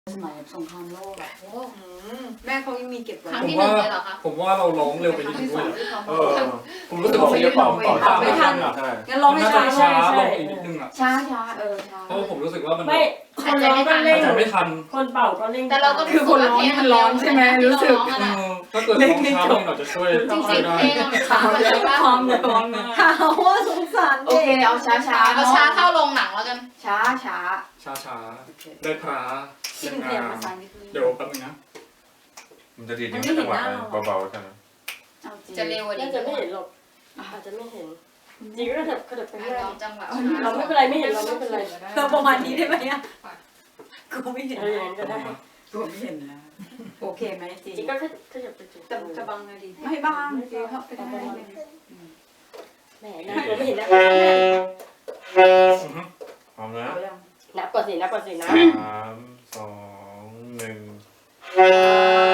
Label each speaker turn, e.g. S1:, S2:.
S1: สมัยสงครามโลกอะ
S2: โอ้แม่เขายังมีเก็บไว้
S3: ครั้ง
S4: ผม
S3: ที่หนึ่
S4: ว่าง
S3: เลยเหรอคะ
S4: ผมว่าเราร้องเร็วไปนิดนึง
S1: ที่
S4: ด้วย
S1: สอง
S4: ผมรู้สึกว่าเพลงต่อไม่ทันอ่ะ
S1: งั้นร้องให้
S4: น่า
S1: ช้า
S4: จะช้าลงอีกนิดนึงอ่ะ
S1: ช้าช้าช้า
S4: เพราะผมรู้สึกว่ามัน
S5: ไม่คนร้องก็เร่ง
S4: อาจจะไม่ทัน
S5: คนเป่าก็เร่ง
S3: แต่เราก็
S2: คือคนร้องนี่มันร้อนใช่ไหมรู้สึก
S4: ถ้าเกิดร้องช้ามันอาจจะช่วย
S3: จริง
S4: ช่วย
S3: ๆ
S4: ได้
S3: เพลงมันช้าไปเลยป่ะ
S1: พร้อมเลยพร้อมมาก
S2: ข่าวว่าสงสาร
S1: โอเคเอาช้าช้า
S3: เอาช้าเข้าโรงหนังแล้วกัน
S1: ช้าช้า
S4: ช้าๆได้พระ
S1: ที่เป็นเพลงภาษาอังกฤษ
S4: เดี๋ยวแป๊บนึงนะ
S6: มันจะดีดีจังหวะเบาๆกันนะ
S1: เอาจริง
S3: จะเร็วกว่านี้
S5: น่าจะไม่เห็นหรอกอาจจะไม่เห็นจริงก็กระเถิบไปเรื่อย
S3: ร้องจังหวะ
S5: เราไม่เป็นไรไม่เห็นเราไม่เป็นไร
S1: เราประมาณนี้ได้ไหมอ่ะกูไม่เห็น
S5: อย่างนั้นก็ได้
S1: กูไม่เห็นนะโอเคไหมจริง
S5: จริงก็ขยับไปจุด
S1: จะบังไงดีไม่บังจริงเข้าไปได้
S5: แหมน่ากลัวไม่เห็นนะ
S6: พร้อมนะ
S1: เอายัง
S5: นับก่อนสินะ
S6: 3 2 1